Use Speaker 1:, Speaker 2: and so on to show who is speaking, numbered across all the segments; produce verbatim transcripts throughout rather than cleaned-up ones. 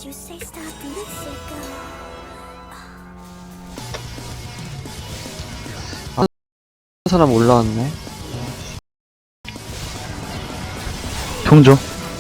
Speaker 1: you say stop and let's let go.
Speaker 2: 사람 올라왔네.
Speaker 3: 통조.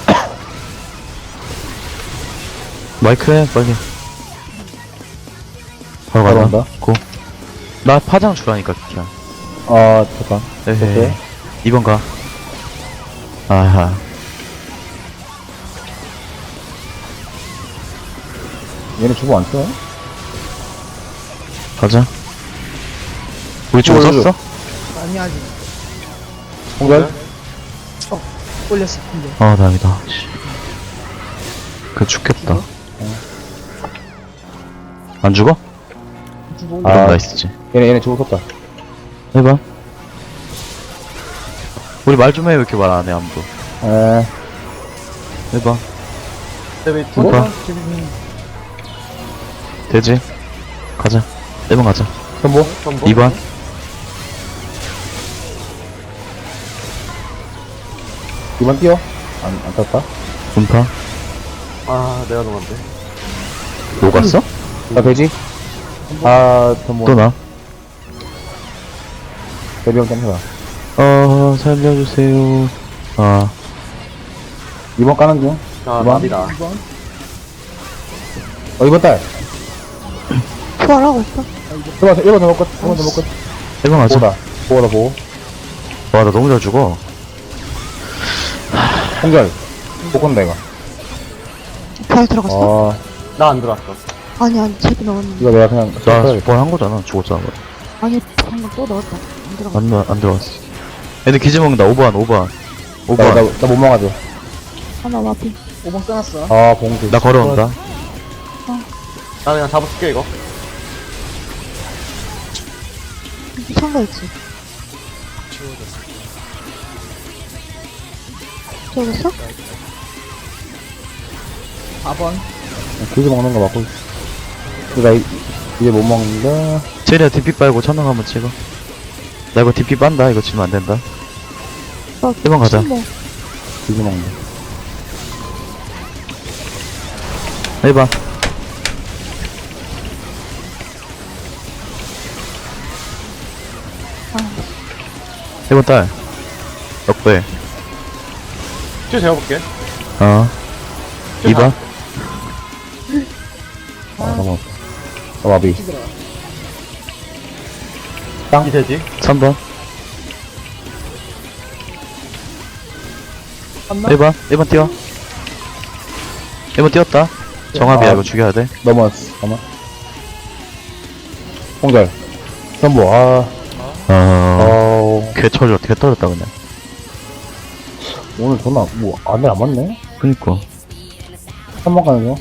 Speaker 3: 마이크 해, 빨리. 바로
Speaker 4: 바로
Speaker 3: 간다.
Speaker 4: 간다.
Speaker 3: 고. 나 파장 주라니까, 그냥.
Speaker 4: 아, 잠깐.
Speaker 3: 에헤이.
Speaker 4: 오케이.
Speaker 3: 이 번 가. 아하.
Speaker 4: 얘네 주고 안 써?
Speaker 3: 가자. 우리 주고
Speaker 4: 올려줘.
Speaker 3: 썼어?
Speaker 5: 아니 아직
Speaker 4: 홍절?
Speaker 5: 올렸을 텐데.
Speaker 3: 아, 다행이다. 씨. 그 죽겠다. 안 죽어?
Speaker 5: 주고
Speaker 3: 그럼
Speaker 4: 아.
Speaker 3: 나이스지.
Speaker 4: 얘네, 얘네 주고 썼다.
Speaker 3: 해봐. 우리 말 좀 해, 왜 이렇게 말 안 해, 아무도.
Speaker 4: 에,
Speaker 3: 해봐.
Speaker 4: 주고?
Speaker 3: 해봐. 되지? 가자. 일 번 가자.
Speaker 4: 선보?
Speaker 3: 이 번.
Speaker 4: 이 번 뛰어? 안, 안 탔다?
Speaker 3: 분파.
Speaker 2: 아, 내가 넘었네.
Speaker 3: 녹았어?
Speaker 4: 나 돼지? 아, 선보.
Speaker 3: 또 나.
Speaker 4: 대비형 땡겨라.
Speaker 3: 어, 살려주세요. 아,
Speaker 4: 이 번 까는 중.
Speaker 2: 아,
Speaker 4: 이 번?
Speaker 2: 답이다.
Speaker 4: 어, 이 번 딸.
Speaker 6: 부활하고 있어.
Speaker 4: 일 번, 일 번 넘어 끝. 일 번 넘어 끝.
Speaker 3: 일 번 가자.
Speaker 4: 보호다. 보호다, 보호.
Speaker 3: 와, 나 너무 잘 죽어.
Speaker 4: 홍절. 못 건다, 이거.
Speaker 6: 부활 들어갔어?
Speaker 4: 아,
Speaker 2: 나 안 들어왔어.
Speaker 6: 아니 아니 제도 넣었는데.
Speaker 4: 이거 내가 그냥.
Speaker 3: 나
Speaker 4: 써야겠다.
Speaker 3: 스포 한 거잖아. 죽었잖아.
Speaker 6: 아니 방금 또 넣었다. 안 들어갔어.
Speaker 3: 안, 나- 안 들어갔어. 애들 기지 먹는다. 오 번, 오 번. 오
Speaker 4: 나,
Speaker 3: 번.
Speaker 4: 나, 나 못 막아줘.
Speaker 6: 하나 와비.
Speaker 5: 오번 써놨어.
Speaker 4: 아, 봉지.
Speaker 3: 나 걸어온다.
Speaker 2: 나 그냥 잡아줄게, 이거.
Speaker 6: 참가 있지. 지워졌어?
Speaker 5: 사 번.
Speaker 4: 기지 먹는 거 맞고. 나 이, 이제 못 먹는다.
Speaker 3: 체리야 디피 빨고 천능 한번 찍어. 나 이거 디피 빤다. 이거 치면 안 된다.
Speaker 6: 나
Speaker 3: 일 번 가자.
Speaker 6: 침묵.
Speaker 4: 기지 먹는다.
Speaker 3: 해봐. 일 번 딸. 역배.
Speaker 2: 쭉 재워볼게.
Speaker 3: 어. 이 번.
Speaker 4: 아, 넘어갔다. 아, 와비.
Speaker 2: 이 되지?
Speaker 3: 삼 번.
Speaker 5: 한나?
Speaker 3: 일 번. 일 번 뛰어. 일 번 뛰었다. 정합이야.
Speaker 4: 아.
Speaker 3: 이거 죽여야 돼.
Speaker 4: 넘어왔어. 잠깐만. 홍절. 선보, 아,
Speaker 3: 어.
Speaker 4: 어,
Speaker 3: 개 터졌, 개 터졌다, 그냥.
Speaker 4: 오늘 전화, 뭐, 안에 안 맞네?
Speaker 3: 그니까.
Speaker 4: 한 번 가는 중.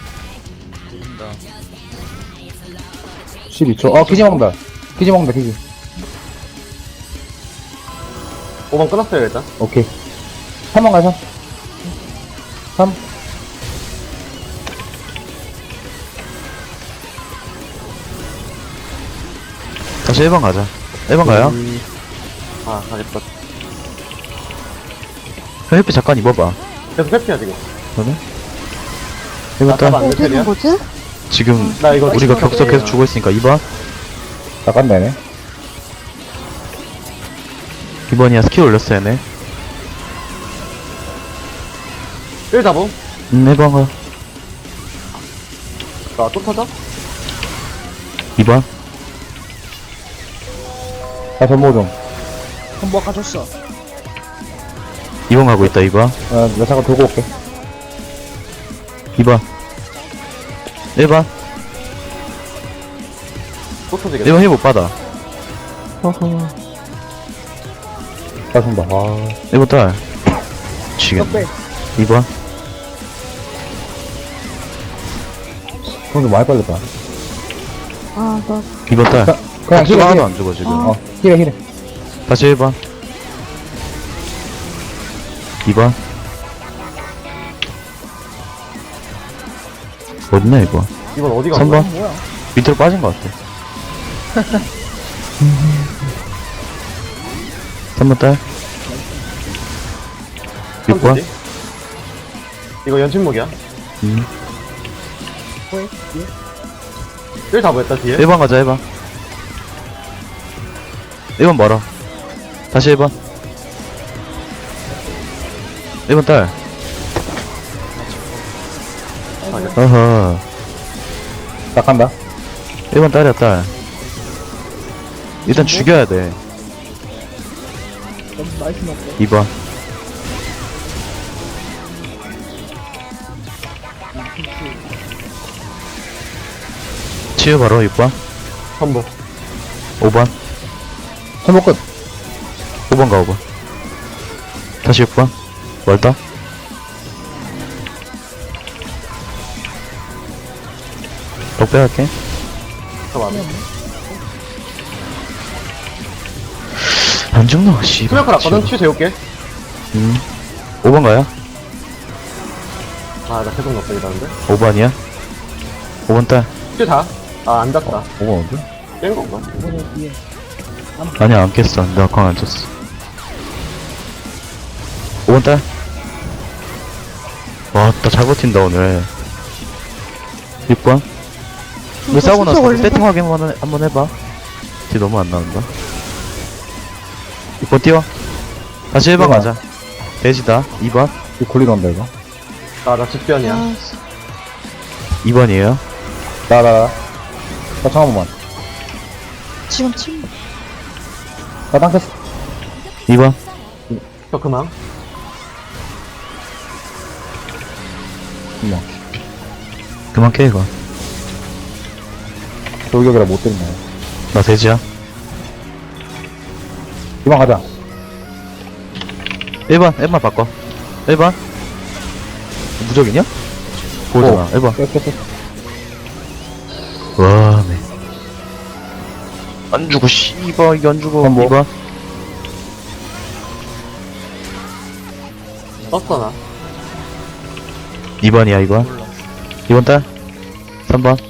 Speaker 4: 십이 초. 어, 기지 먹는다. 기지 먹는다, 기지.
Speaker 2: 오 번 끊었어요, 일단.
Speaker 4: 오케이. 삼 번 가자. 삼.
Speaker 3: 다시 일 번 가자. 일 번 가요.
Speaker 2: 아, 가겠다.
Speaker 3: 형 햇빛 잠깐 입어봐.
Speaker 2: 계속 회피야, 지금.
Speaker 3: 그러네? 일 번
Speaker 2: 아,
Speaker 3: 딸.
Speaker 2: 안
Speaker 6: 어디 있는
Speaker 2: 되냐?
Speaker 6: 거지?
Speaker 3: 지금
Speaker 2: 나 이거
Speaker 3: 우리가
Speaker 2: 치고
Speaker 3: 격서 계속 주고 있으니까 이 번.
Speaker 4: 잠깐 내네.
Speaker 3: 이 번이야. 스킬 올렸어, 얘네.
Speaker 2: 일 잡음.
Speaker 3: 음, 일 번 가.
Speaker 2: 자, 또 터져?
Speaker 3: 이 번.
Speaker 4: 나 전보 좀.
Speaker 5: 한번 가줬어.
Speaker 3: 이 번 가고 있다, 이 번.
Speaker 4: 어, 나 잠깐 돌고 올게.
Speaker 3: 이 번. 일 번.
Speaker 2: 또 터지겠다.
Speaker 3: 일 번 힐 못 받아. 허허.
Speaker 4: 짜증다. 아,
Speaker 3: 일 번 딸. 지겠네.
Speaker 5: 적배.
Speaker 3: 이 번.
Speaker 4: 그럼 좀 많이 빨렸다.
Speaker 6: 아 나
Speaker 3: 이 번 딸.
Speaker 4: 자, 그냥
Speaker 3: 격수가
Speaker 4: 힐해,
Speaker 3: 하나도
Speaker 4: 힐해.
Speaker 3: 안 죽어, 지금.
Speaker 6: 아.
Speaker 4: 어, 힐해, 힐해.
Speaker 3: 다시 일 번. 이 번. 어딨냐, 이거.
Speaker 2: 이번 어디가?
Speaker 3: 삼 번.
Speaker 5: 뭐야?
Speaker 3: 밑으로 빠진 것 같아. 삼 번 딸. 육 번.
Speaker 2: 이거 연침목이야.
Speaker 3: 음.
Speaker 5: 뭐해? 뒤에?
Speaker 2: 일 잡아 했다 뒤에.
Speaker 3: 일 번 가자, 일 번. 일 번 멀어. 다시 일 번. 일 번 딸. 어허.
Speaker 4: 딱 간다.
Speaker 3: 일 번 딸이야, 딸. 일단 죽여야 돼.
Speaker 5: 너무 나이스 먹고.
Speaker 3: 이 번. 치유 바로 육 번.
Speaker 2: 선보.
Speaker 3: 오 번.
Speaker 4: 천복 끝.
Speaker 3: 오 번 가, 오 번. 다시 육 번. 멀다. 더 빼갈게.
Speaker 2: 잠깐만.
Speaker 3: 안 죽노, 씨.
Speaker 2: 수면칼 왔거든? 치 재울게.
Speaker 3: 음. 오 번 가요?
Speaker 2: 아, 나 계속 넣었다, 이러는데.
Speaker 3: 오 번이야? 오 번 딸.
Speaker 2: 치 다. 아, 안 닿다.
Speaker 4: 오 번 어디?
Speaker 2: 깬 건가?
Speaker 5: 이번에 뒤에.
Speaker 3: 아니야, 안 깼어. 내가 광안 쳤어. 오 번 딸. 와, 나 잘 버틴다, 오늘. 육 번. 우리 싸우고 나서 세팅 확인 한번, 한번 해봐. 뒤 너무 안 나온다. 육 번 띄워. 다시 일 번
Speaker 4: 일 번.
Speaker 3: 가자. 돼지다. 이 번.
Speaker 4: 이거 굴리러 온다, 이거.
Speaker 2: 나, 나 직변이야.
Speaker 6: 아,
Speaker 3: 이 번이에요.
Speaker 4: 나, 나, 나. 나 청 한 번만.
Speaker 6: 지금 침.
Speaker 4: 나 땅켰어.
Speaker 3: 이 번.
Speaker 2: 저 그만.
Speaker 4: 이만.
Speaker 3: 그만 깨, 이거.
Speaker 4: 돌격이라 못 때리네.
Speaker 3: 나 돼지야.
Speaker 4: 이만 가자.
Speaker 3: 일 번. 일 번 바꿔. 일 번. 무적이냐? 보잖아. 일 번.
Speaker 4: 깼, 깼, 깼.
Speaker 3: 와, 네. 안 죽어, 씨발, 이게 안 죽어.
Speaker 4: 그럼 뭐?
Speaker 3: 이 번.
Speaker 2: 떴어, 나.
Speaker 3: 이 번이야, 이거. 이 번 딸. 삼 번.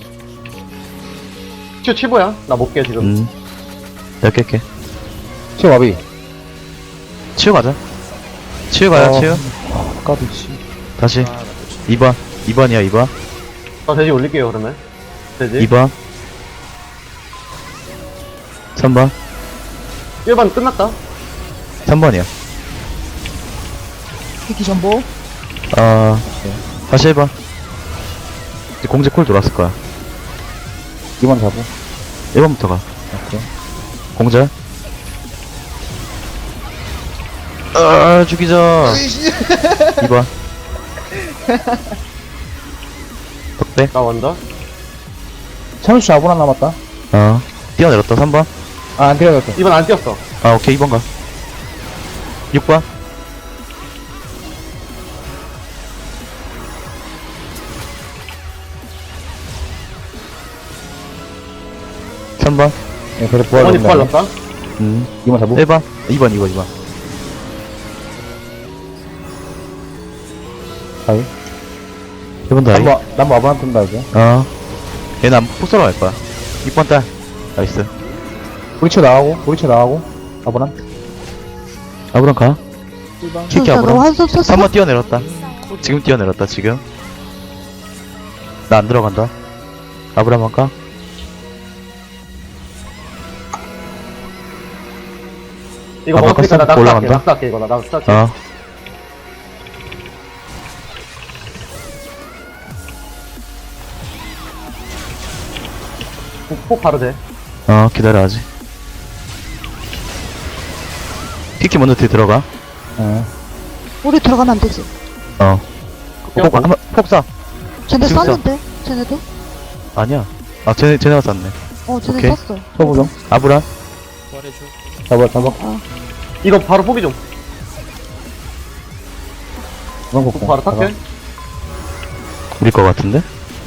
Speaker 2: 치 치보야? 나 못 깨, 지금.
Speaker 3: 음. 내가 깰게.
Speaker 4: 치유 와비.
Speaker 3: 치유 가자. 치유 가야,
Speaker 4: 어.
Speaker 3: 치유.
Speaker 4: 아, 까비, 씨.
Speaker 3: 다시. 이 번. 이 번이야, 이 번.
Speaker 2: 나 돼지 올릴게요, 그러면. 돼지.
Speaker 3: 이 번. 삼 번.
Speaker 2: 일 번 끝났다.
Speaker 3: 삼 번이야.
Speaker 5: 키키 전보.
Speaker 3: 아, 다시 일 번. 이제 공제 콜 돌았을 거야.
Speaker 4: 이만 잡고.
Speaker 3: 일 번부터 가.
Speaker 4: 오케이.
Speaker 3: 공제. 아, 죽이자. 이 번. 덕배.
Speaker 2: 나 원더.
Speaker 4: 천수 사 분 안 남았다.
Speaker 3: 어. 뛰어내렸다, 삼 번.
Speaker 4: 아, 안 때려졌어.
Speaker 2: 이 번 안 뛰었어.
Speaker 3: 아, 오케이, 이 번 가. 육 번. 삼 번.
Speaker 4: 예, 그래,
Speaker 2: 어머니
Speaker 4: 부활.
Speaker 2: 부활 넣었다.
Speaker 3: 음.
Speaker 4: 이만 잡고.
Speaker 3: 일 번. 이 번, 이 번, 이 번.
Speaker 4: 다이.
Speaker 3: 일 번 다이.
Speaker 4: 남부, 남부 아브란 뜬다, 이제.
Speaker 3: 어. 얘는 안 폭설어 갈 거야. 육 번 딸. 나이스.
Speaker 4: 우리 쳐 나가고, 우리 쳐 나가고. 아브란.
Speaker 3: 아브람 가.
Speaker 5: 일 번.
Speaker 3: 키키
Speaker 6: 너
Speaker 3: 아브람.
Speaker 6: 한숨 썼어?
Speaker 3: 삼 번 뛰어내렸다. 지금 뛰어내렸다, 지금. 나 안 들어간다. 아브람 할까?
Speaker 2: 이거
Speaker 3: 아,
Speaker 2: 먹었으니까 나
Speaker 3: 바꿨어?
Speaker 2: 낙사할게.
Speaker 3: 올라간다?
Speaker 2: 낙사할게, 이거. 나 낙사할게.
Speaker 3: 어.
Speaker 2: 폭, 폭 바로 돼.
Speaker 3: 어, 기다려, 아직. 키키 먼저 뒤에 들어가.
Speaker 4: 예.
Speaker 6: 우리 들어가면 안 되지.
Speaker 3: 어.
Speaker 2: 폭,
Speaker 3: 폭, 한번, 폭 쏴.
Speaker 6: 쟤네
Speaker 3: 지금
Speaker 6: 쐈는데? 쟤네도?
Speaker 3: 아니야. 아, 쟤네, 쟤네가 쐈네.
Speaker 6: 어, 쟤네
Speaker 3: 오케이.
Speaker 6: 쐈어.
Speaker 4: 쳐보죠.
Speaker 3: 아브람.
Speaker 4: 잡아, 잡아.
Speaker 2: 이거 바로 포기 좀.
Speaker 4: 그런 거.
Speaker 2: 폭 바로 탈게.
Speaker 3: 우리 거 같은데?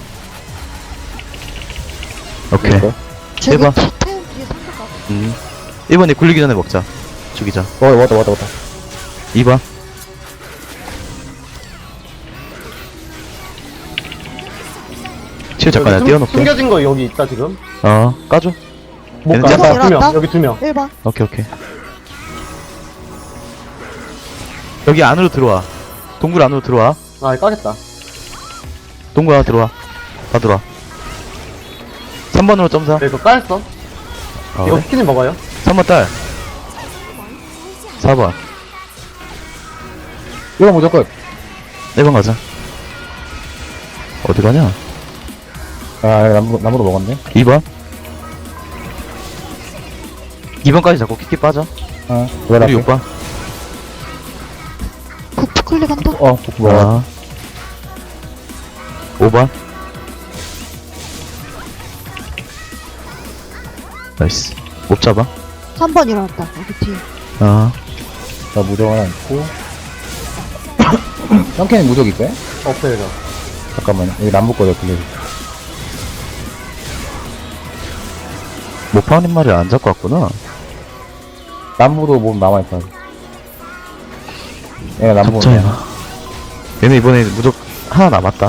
Speaker 3: 오케이.
Speaker 6: 쟤네
Speaker 3: 대박.
Speaker 6: 태운 뒤에 상가가.
Speaker 3: 음. 일 번에 굴리기 전에 먹자. 죽이자.
Speaker 4: 어, 왔다, 왔다, 왔다.
Speaker 3: 이 번. 치우 잠깐 내가
Speaker 2: 숨-
Speaker 3: 띄워놓게.
Speaker 2: 숨겨진 거 여기 있다, 지금.
Speaker 3: 어, 까줘.
Speaker 2: 못
Speaker 3: 얘는
Speaker 2: 가.
Speaker 3: 뛰었다.
Speaker 2: 두 명.
Speaker 6: 일어났다?
Speaker 2: 여기 두 명.
Speaker 6: 일 번.
Speaker 3: 오케이, 오케이. 여기 안으로 들어와. 동굴 안으로 들어와.
Speaker 2: 아, 까겠다.
Speaker 3: 동굴 안으로 들어와. 다 들어와. 삼 번으로 점사.
Speaker 2: 네, 이거 까였어.
Speaker 3: 아,
Speaker 2: 이거
Speaker 3: 그래?
Speaker 2: 스키님 먹어요.
Speaker 3: 삼 번 딸. 사 번.
Speaker 4: 이거 무조건.
Speaker 3: 네 번 가자. 어디 가냐?
Speaker 4: 아, 나무, 나무로 먹었네.
Speaker 3: 이 번. 이 번까지 잡고 키키 빠져.
Speaker 4: 어, 왜
Speaker 3: 우리 육 번.
Speaker 6: 북부 클릭한다.
Speaker 4: 어, 복부 먹어.
Speaker 3: 아. 오 번. 나이스. 못 잡아.
Speaker 6: 삼 번 일어났다. 여기 뒤에.
Speaker 3: 아.
Speaker 4: 나 무적 하나 있고. 썬캔이 무적 있어요?
Speaker 2: 없어요, 저.
Speaker 4: 잠깐만요. 여기 남부 거죠, 그게.
Speaker 3: 모파님 말을 안 잡고 왔구나.
Speaker 4: 남부도 몸 남아있어. 얘가 남부.
Speaker 3: 잡자야. 얘네 이번에 무적 하나 남았다.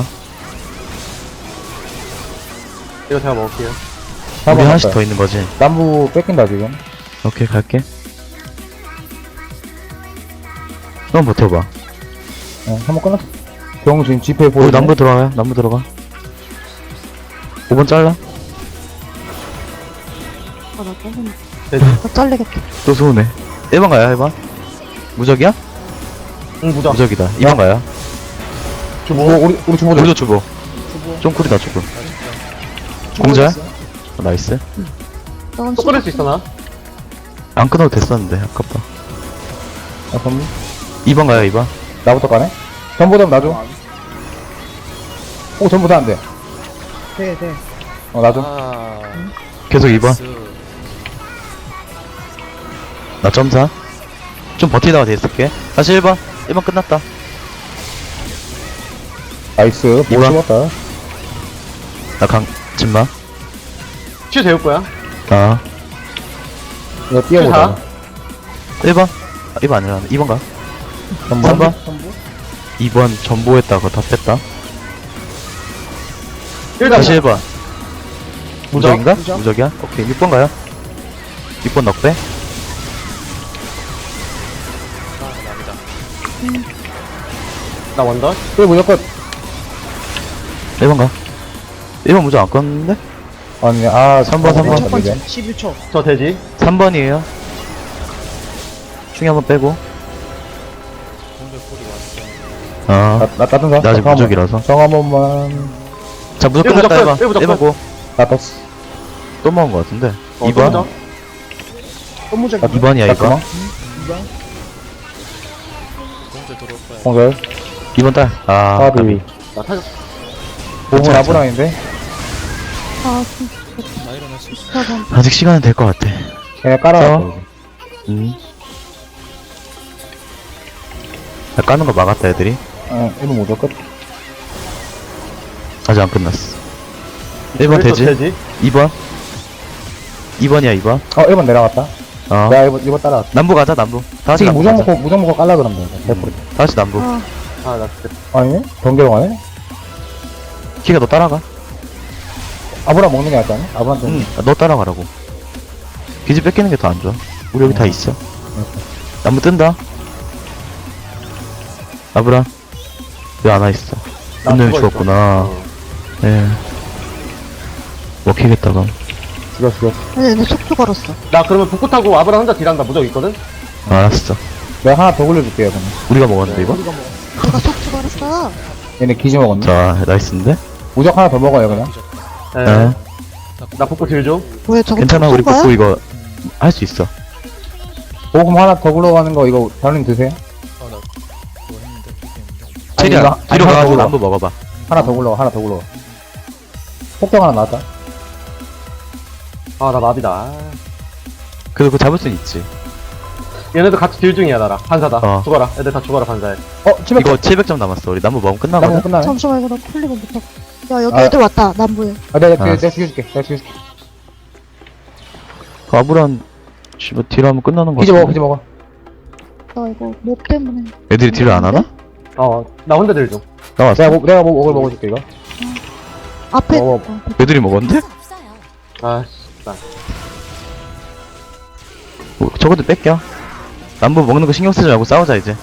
Speaker 2: 이거 제가 먹을게요.
Speaker 3: 우리 하나씩 더 있는 거지.
Speaker 4: 남부 뺏긴다, 지금.
Speaker 3: 오케이, 갈게. 넌 버텨봐.
Speaker 4: 어, 한번 끊었어. 병 지금 지폐 보여.
Speaker 3: 우리 남부 들어가요. 남부 들어가. 오 번 잘라.
Speaker 6: 아, 나 잘리네.
Speaker 2: 돼지.
Speaker 6: 나 잘리겠다.
Speaker 3: 또 소우네. 일 번 가요, 일 번. 무적이야?
Speaker 2: 응, 무적.
Speaker 3: 무적이다. 이 번 가요.
Speaker 2: 주모.
Speaker 4: 어, 우리, 우리 주모
Speaker 3: 우리도 주보.
Speaker 5: 주보.
Speaker 3: 좀 쿨이다, 주보. 공자야?
Speaker 5: 있어.
Speaker 3: 어, 나이스.
Speaker 6: 넌
Speaker 2: 또 끊을 수 있어, 나?
Speaker 3: 안 끊어도 됐었는데, 아깝다.
Speaker 4: 아, 전부?
Speaker 3: 이 번 가요, 이 번.
Speaker 4: 나부터 가네? 전부 다 놔줘. 오, 전부 다 안 돼.
Speaker 5: 돼, 돼.
Speaker 4: 어, 놔줘.
Speaker 7: 아,
Speaker 3: 계속 이 번.
Speaker 7: 나이스.
Speaker 3: 나 점사. 좀 버티다가 됐을게. 다시 일 번. 일 번 끝났다.
Speaker 4: 나이스. 못
Speaker 3: 이번.
Speaker 4: 죽었다.
Speaker 3: 나 강, 침마.
Speaker 2: 치 재울 거야.
Speaker 3: 아.
Speaker 4: 이거 뛰어보자.
Speaker 3: 일 번. 아, 일 번 아니라, 이 번 가.
Speaker 4: 전부.
Speaker 3: 삼 번.
Speaker 5: 전부?
Speaker 3: 이 번 전보했다. 그거 다 뺐다.
Speaker 2: 일단
Speaker 3: 다시 일 번. 무적인가?
Speaker 5: 무적.
Speaker 3: 무적이야? 오케이. 육 번 가요. 육 번 넉배.
Speaker 7: 아, 납니다.
Speaker 2: 나 원더.
Speaker 4: 그래, 무조건.
Speaker 3: 일 번 가. 일 번 무적 안 껐는데?
Speaker 4: 아니, 아,
Speaker 3: 삼 번, 삼 번.
Speaker 5: 첫 번째. 십일 초.
Speaker 2: 저 돼지.
Speaker 3: 삼 번이에요. 충이 한번 빼고.
Speaker 7: 공절 소리 왔어.
Speaker 3: 아.
Speaker 4: 나, 나, 따뜻한
Speaker 3: 나 아직
Speaker 4: 정
Speaker 3: 무적이라서.
Speaker 4: 정 한 번만.
Speaker 3: 자, 무적
Speaker 2: 일 무적
Speaker 3: 끝났다, 일 번.
Speaker 2: 끝, 일 무적
Speaker 3: 일 번
Speaker 2: 끝.
Speaker 3: 고.
Speaker 4: 나 떴어.
Speaker 3: 또 먹은 거 같은데.
Speaker 2: 어,
Speaker 3: 이 번.
Speaker 2: 또 무적.
Speaker 5: 선무적.
Speaker 4: 아,
Speaker 3: 이 번이야, 이 번.
Speaker 4: 잠깐만.
Speaker 5: 이 번.
Speaker 7: 공절 들어올 거야.
Speaker 4: 공절.
Speaker 3: 이 번 딸. 아.
Speaker 4: 까비.
Speaker 3: 까비.
Speaker 2: 나 타격.
Speaker 4: 몸은
Speaker 3: 괜찮아,
Speaker 4: 아브라인데?
Speaker 6: 아,
Speaker 7: 나 일어날 수 있어.
Speaker 6: 사 번.
Speaker 3: 아직 시간은 될 것 같아.
Speaker 4: 그냥 깔아놨어.
Speaker 3: 어? 음. 나 까는 거 막았다, 애들이.
Speaker 4: 응, 이번 무조 끝.
Speaker 3: 아직 안 끝났어. 일 번
Speaker 2: 일 번
Speaker 3: 되지?
Speaker 2: 돼지.
Speaker 3: 이 번. 이 번이야, 이 번.
Speaker 4: 어, 일 번 내려갔다.
Speaker 3: 어.
Speaker 4: 내가 일 번, 일 번 따라갔다.
Speaker 3: 남부 가자, 남부. 다 같이
Speaker 4: 지금
Speaker 3: 남부
Speaker 4: 무정
Speaker 3: 가자.
Speaker 4: 먹고, 무정 먹고 깔라 그러면 돼. 백 퍼센트.
Speaker 3: 다 같이 남부.
Speaker 6: 아,
Speaker 2: 아, 나 진짜.
Speaker 4: 아니네? 번개로 가네?
Speaker 3: 키가 너 따라가.
Speaker 4: 아브라 먹는 게 낫지 않아? 아브라한테.
Speaker 3: 응, 너 따라가라고. 기지 뺏기는 게 더 안 좋아. 우리 여기 다 있어. 나무 뜬다. 아브라. 왜 안 와 있어?
Speaker 2: 나
Speaker 3: 분명히
Speaker 2: 죽어 있어.
Speaker 3: 죽었구나.
Speaker 2: 어.
Speaker 3: 예. 먹히겠다, 그럼.
Speaker 4: 죽여, 죽여.
Speaker 6: 근데 내 속도 걸었어.
Speaker 2: 나 그러면 북구 타고 아브라 혼자 딜한다. 무적 있거든?
Speaker 3: 알았어.
Speaker 4: 내가 하나 더 굴려줄게요, 그러면.
Speaker 3: 우리가 먹었는데, 이거?
Speaker 5: 우리가 뭐.
Speaker 6: 내가 속도 걸었어.
Speaker 4: 얘네 기지 먹었네.
Speaker 3: 자, 나이스인데?
Speaker 4: 무적 하나 더 먹어요, 그냥.
Speaker 2: 예.
Speaker 3: 예.
Speaker 2: 나 북구 딜 줘.
Speaker 6: 왜 저거
Speaker 3: 괜찮아, 우리
Speaker 6: 거야?
Speaker 3: 복구 이거 할 수 있어.
Speaker 4: 보금 하나 더 굴러가는 거, 이거, 다른 드세요?
Speaker 7: 아, 나 그거 했는데, 그게 했는데.
Speaker 3: 체리야,
Speaker 4: 이거- 아니,
Speaker 3: 뒤로
Speaker 4: 하나
Speaker 3: 가가지고
Speaker 4: 더
Speaker 3: 남부 먹어봐.
Speaker 4: 하나 더 굴러가, 하나 더 굴러가. 폭격 하나 나왔다.
Speaker 2: 아, 나 마비다.
Speaker 3: 그래도 그거 잡을 순 있지.
Speaker 2: 얘네도 같이 딜 중이야, 나랑. 반사다.
Speaker 3: 어.
Speaker 2: 죽어라. 애들 다 죽어라, 반사해.
Speaker 4: 어, 칠백.
Speaker 3: 이거 칠백 점 남았어. 우리 남부 먹으면
Speaker 4: 나무
Speaker 3: 끝나거든?
Speaker 4: 끝나네.
Speaker 6: 잠시만, 이거 나 클릭을 못하고. 야, 여기
Speaker 4: 아.
Speaker 6: 애들 왔다, 남부에.
Speaker 4: 아, 내가, 내가,
Speaker 3: 알았어.
Speaker 4: 내가 죽여줄게. 내가 죽여줄게.
Speaker 3: 그 아브란, 씨발, 딜 하면 끝나는 거
Speaker 4: 기지 먹어,
Speaker 3: 같은데?
Speaker 4: 기지 먹어.
Speaker 6: 나 이거 목 때문에.
Speaker 3: 애들이 딜을 안 하나?
Speaker 2: 어, 나 혼자 딜 줘.
Speaker 3: 나왔어.
Speaker 4: 내가, 뭐, 내가 뭐, 먹을 먹어줄게, 이거.
Speaker 6: 앞에.
Speaker 4: 어,
Speaker 6: 어,
Speaker 3: 애들이 먹었는데?
Speaker 2: 아, 씨. 나.
Speaker 3: 뭐, 저것도 뺏겨. 남부 먹는 거 신경 쓰지 말고 싸우자, 이제.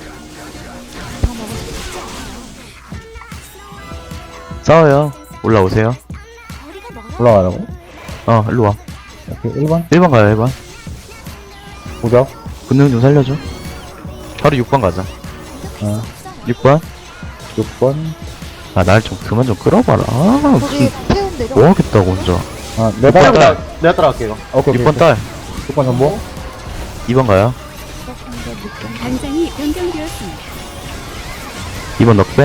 Speaker 3: 싸워요. 올라오세요.
Speaker 4: 올라가라고.
Speaker 3: 어 일로 와.
Speaker 4: 오케이, 일 번.
Speaker 3: 일 번 가요 일 번.
Speaker 4: 무적.
Speaker 3: 군능 좀 살려줘. 바로 육 번 가자.
Speaker 4: 어,
Speaker 3: 육 번.
Speaker 4: 육 번.
Speaker 3: 아 날 좀 그만 좀 끌어봐라. 아
Speaker 6: 거기
Speaker 3: 무슨
Speaker 6: 태운 내려.
Speaker 3: 뭐 하겠다고 혼자.
Speaker 4: 아, 내가
Speaker 3: 육 번
Speaker 4: 따라.
Speaker 3: 딸.
Speaker 2: 내가 따라갈게 이거.
Speaker 4: 오케이,
Speaker 3: 육 번 딸.
Speaker 4: 육 번 전보.
Speaker 3: 이 번 가요.
Speaker 1: 당장이 변경되었습니다.
Speaker 3: 이 번 넉배.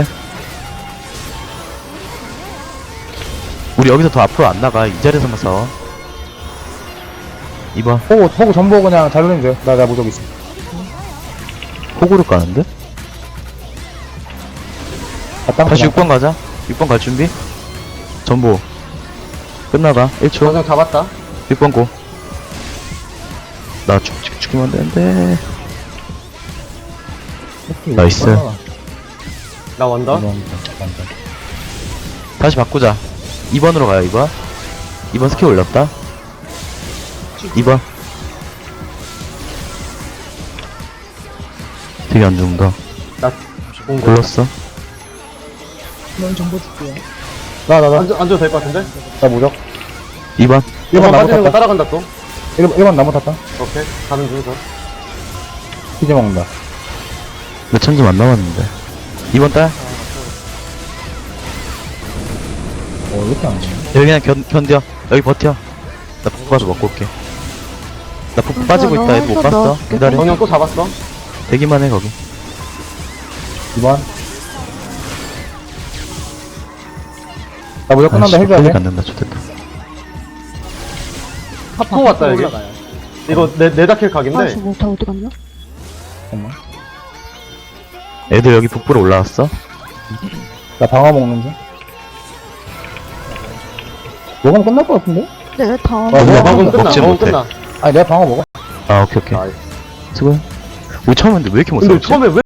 Speaker 3: 우리 여기서 더 앞으로 안 나가. 이 자리에서만 싸워. 이 번.
Speaker 4: 호구, 호구 전보 그냥 잘 돌리면 돼. 나, 나 무적 있어.
Speaker 3: 호구를 까는데?
Speaker 4: 아, 땅
Speaker 3: 다시
Speaker 4: 그냥.
Speaker 3: 육 번 가자. 육 번 갈 준비. 전보. 끝나가. 일 초.
Speaker 2: 전장 잡았다.
Speaker 3: 육 번 고. 나 죽, 죽, 죽이면 안 되는데. 나이스.
Speaker 2: 나 원더.
Speaker 3: 다시 바꾸자. 이 번으로 가요, 이 번. 이 번 스킬 올렸다. 이 번. 되게 안 죽는다.
Speaker 2: 공
Speaker 3: 골랐어.
Speaker 5: 넌 정보 줄게요.
Speaker 4: 나, 나, 나.
Speaker 2: 앉아, 앉아도 될 것 같은데?
Speaker 4: 나 무적.
Speaker 3: 이 번.
Speaker 4: 일 번
Speaker 2: 번
Speaker 4: 나무
Speaker 2: 빠지는 거
Speaker 4: 탔다.
Speaker 2: 따라간다 또.
Speaker 4: 일 번, 일 번 나무 탔다.
Speaker 2: 오케이. 가는 중서.
Speaker 4: 피지 먹는다.
Speaker 3: 몇 천 점 안 남았는데. 이 번 딸.
Speaker 4: 어, 이렇게 안 돼.
Speaker 3: 여기 그냥 견, 견뎌. 여기 버텨. 나 푹 빠져 먹고 올게. 나 푹
Speaker 6: 음,
Speaker 3: 빠지고
Speaker 6: 너
Speaker 3: 있다. 애들 못
Speaker 6: 한번
Speaker 3: 봤어.
Speaker 6: 넣어줄게.
Speaker 3: 기다려.
Speaker 2: 정령 또 잡았어.
Speaker 3: 대기만 해, 거기.
Speaker 4: 이 번. 나 무적 끝난다. 해줘야 돼.
Speaker 3: 안 된다. 좋겠다.
Speaker 2: 또 왔다 여기.
Speaker 5: 올라가요.
Speaker 2: 이거 내 네다킬 각인데.
Speaker 6: 아, 저 못하 어디 갔냐?
Speaker 4: 잠깐만.
Speaker 3: 애들 여기 북부로 올라왔어.
Speaker 4: 나 방어 먹는 중. 먹으면 끝날 것 같은데?
Speaker 6: 네, 다음.
Speaker 4: 아,
Speaker 2: 어,
Speaker 4: 뭐야,
Speaker 2: 먹으면 끝나.
Speaker 3: 먹지
Speaker 2: 먹으면
Speaker 3: 못해.
Speaker 2: 끝나.
Speaker 4: 아니, 내가 방어 먹어.
Speaker 3: 아, 오케이, 오케이.
Speaker 2: 나이스.
Speaker 3: 수고해. 우리 처음 했는데 왜 이렇게 못
Speaker 2: 근데
Speaker 3: 싸웠지?
Speaker 2: 처음에 왜